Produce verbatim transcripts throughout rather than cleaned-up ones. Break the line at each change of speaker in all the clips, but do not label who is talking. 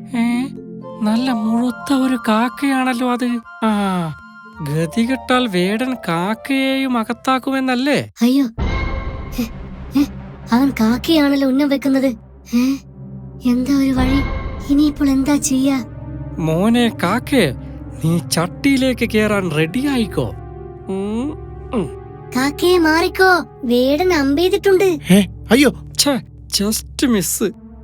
ഏ നല്ല മുഴുത്ത ഒരു കാക്കയാണല്ലോ അത്. ആ ഗതികെട്ടാൽ വേടൻ കാക്കയെയും അകത്താക്കുമെന്നല്ലേ?
അയ്യോ, ഹെ, ഹെ, അവൻ കാക്കയാണല്ലോ ഉന്നം വെക്കുന്നത്. ഏ എന്താ ഒരു വഴി? ഇനിയിപ്പോൾ എന്താ ചെയ്യാ?
മോനെ കാക്കേ, നീ ചട്ടിയിലേക്ക് കേറാൻ റെഡിയായിക്കോ. ഉം, ഉം.
കാക്കയെ മാറിക്കോ, വേടൻ അമ്പെയ്തിട്ടുണ്ട്.
അയ്യോ,
ഛെ, ജസ്റ്റ് മിസ്.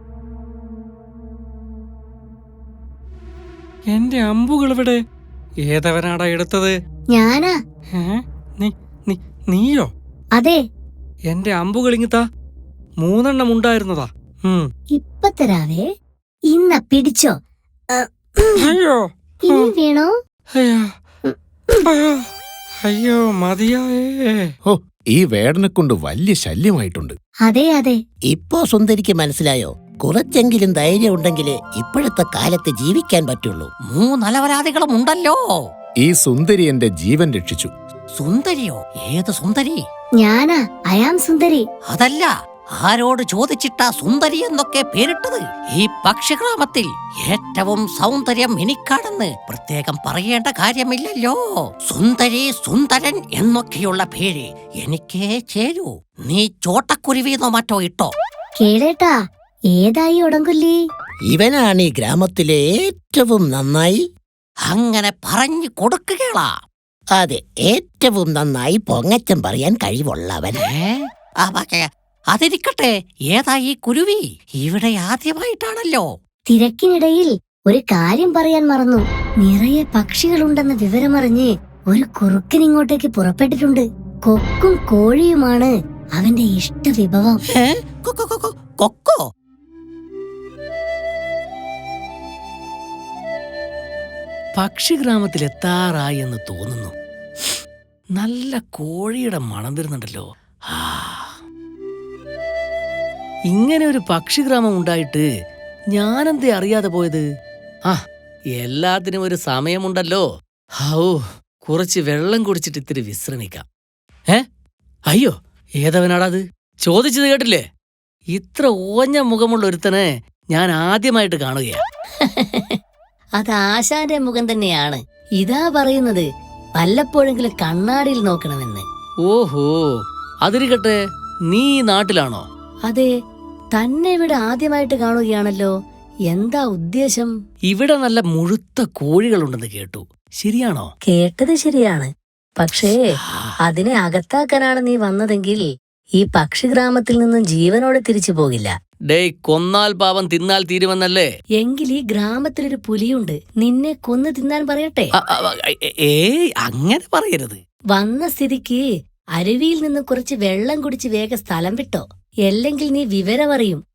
എന്റെ അമ്പുകൾ ഇവിടെ. ഏതവനാടാ എടുത്തത്?
ഞാനാ.
ഏ? നീ നീ നീയോ?
അതെ.
എന്റെ അമ്പുകൾ ഇങ്ങിത്താ. മൂന്നെണ്ണം ഉണ്ടായിരുന്നതാ. ഉം.
ഇപ്പൊ തരാവേ. ഇന്ന പിടിച്ചോ. അ, ഉം.
അയ്യോ,
ഇനി വേണോ?
അയ്യോ, അയ്യോ, അയ്യോ മതിയായേ.
ഓ ഈ വേടനെ കൊണ്ട് വലിയ ശല്യമായിട്ടുണ്ട്.
അതെ അതെ.
ഇപ്പോ സുന്ദരിക്ക് മനസ്സിലായോ? കുറച്ചെങ്കിലും ധൈര്യം ഉണ്ടെങ്കിലേ ഇപ്പോഴത്തെ കാലത്ത് ജീവിക്കാൻ പറ്റുള്ളൂ.
മൂന്നലവരാധികളും ഉണ്ടല്ലോ.
ഈ സുന്ദരി എന്റെ ജീവൻ രക്ഷിച്ചു.
സുന്ദരിയോ? ഏത് സുന്ദരി?
ഞാനാ, അയാം സുന്ദരി.
അതല്ല, ആരോട് ചോദിച്ചിട്ടാ സുന്ദരി എന്നൊക്കെ പേരിട്ടത്? ഈ പക്ഷിഗ്രാമത്തിൽ ഏറ്റവും സൗന്ദര്യം എനിക്കാണെന്ന് പ്രത്യേകം പറയേണ്ട കാര്യമില്ലല്ലോ. സുന്ദരി, സുന്ദരൻ എന്നൊക്കെയുള്ള പേര് എനിക്കേ ചേരൂ. നീ ചോട്ടക്കുരുവിന്നോ മറ്റോ ഇട്ടോ?
കേളേട്ടാ, ഏതായി ഉടങ്കൊല്ലി?
ഇവനാണ് ഈ ഗ്രാമത്തിലെ ഏറ്റവും നന്നായി.
അങ്ങനെ പറഞ്ഞു കൊടുക്കുകയാ.
അതെ, ഏറ്റവും നന്നായി പൊങ്ങച്ചം പറയാൻ കഴിവുള്ളവൻ.
ഏ? ആ, പക്ഷേ, അതിരിക്കട്ടെ, ഏതാ ഈ കുരുവി? ഇവിടെ ആദ്യമായിട്ടാണല്ലോ.
തിരക്കിനിടയിൽ ഒരു കാര്യം പറയാൻ മറന്നു. നിറയെ പക്ഷികളുണ്ടെന്ന വിവരമറിഞ്ഞ് ഒരു കുറുക്കൻ ഇങ്ങോട്ടേക്ക് പുറപ്പെട്ടിട്ടുണ്ട്. കൊക്കും കോഴിയുമാണ് അവന്റെ ഇഷ്ടവിഭവം.
ഏ? കൊ- കൊ- കൊ- കൊക്കോ?
പക്ഷിഗ്രാമത്തിൽ എത്താറായി എന്ന് തോന്നുന്നു. നല്ല കോഴിയുടെ മണം വരുന്നുണ്ടല്ലോ. ആ. ഇങ്ങനെ ഒരു പക്ഷിഗ്രാമം ഉണ്ടായിട്ട് ഞാനെന്തേ അറിയാതെ പോയത്? ആ എല്ലാത്തിനും ഒരു സമയമുണ്ടല്ലോ. ഹൗ, കുറച്ച് വെള്ളം കുടിച്ചിട്ട് ഇത്തിരി വിശ്രമിക്കാം. ഏ അയ്യോ, ഏതവനാടാത്? ചോദിച്ചത് കേട്ടില്ലേ? ഇത്ര ഓഞ്ഞ മുഖമുള്ള ഒരുത്തനെ ഞാൻ ആദ്യമായിട്ട് കാണുകയാ.
അത് ആശാന്റെ മുഖം തന്നെയാണ്. ഇതാ പറയുന്നത്, വല്ലപ്പോഴെങ്കിലും കണ്ണാടിയിൽ നോക്കണമെന്ന്.
ഓഹോ, അതിരിക്കട്ടെ, നീ ഈ നാട്ടിലാണോ?
അതെ, തന്നെ ഇവിടെ ആദ്യമായിട്ട് കാണുകയാണല്ലോ. എന്താ ഉദ്ദേശം?
ഇവിടെ നല്ല മുഴുത്ത കോഴികളുണ്ടെന്ന് കേട്ടു. ശരിയാണോ?
കേട്ടത് ശരിയാണ്. പക്ഷേ അതിനെ അകത്താക്കാനാണ് നീ വന്നതെങ്കിൽ ഈ പക്ഷിഗ്രാമത്തിൽ നിന്നും ജീവനോടെ തിരിച്ചു പോകില്ല.
ഡേയ്, കൊന്നാൽ പാവം തിന്നാൽ തീരുമെന്നല്ലേ?
എങ്കിൽ ഈ ഗ്രാമത്തിലൊരു പുലിയുണ്ട്. നിന്നെ കൊന്നു തിന്നാൻ പറയട്ടെ?
അ- അ- ഏ- ഏയ് അങ്ങനെ പറയരുത്.
വന്ന സ്ഥിതിക്ക് അരുവിയിൽ നിന്ന് കുറച്ച് വെള്ളം കുടിച്ച് വേഗം സ്ഥലം വിട്ടോ. അല്ലെങ്കിൽ നീ വിവരമറിയും.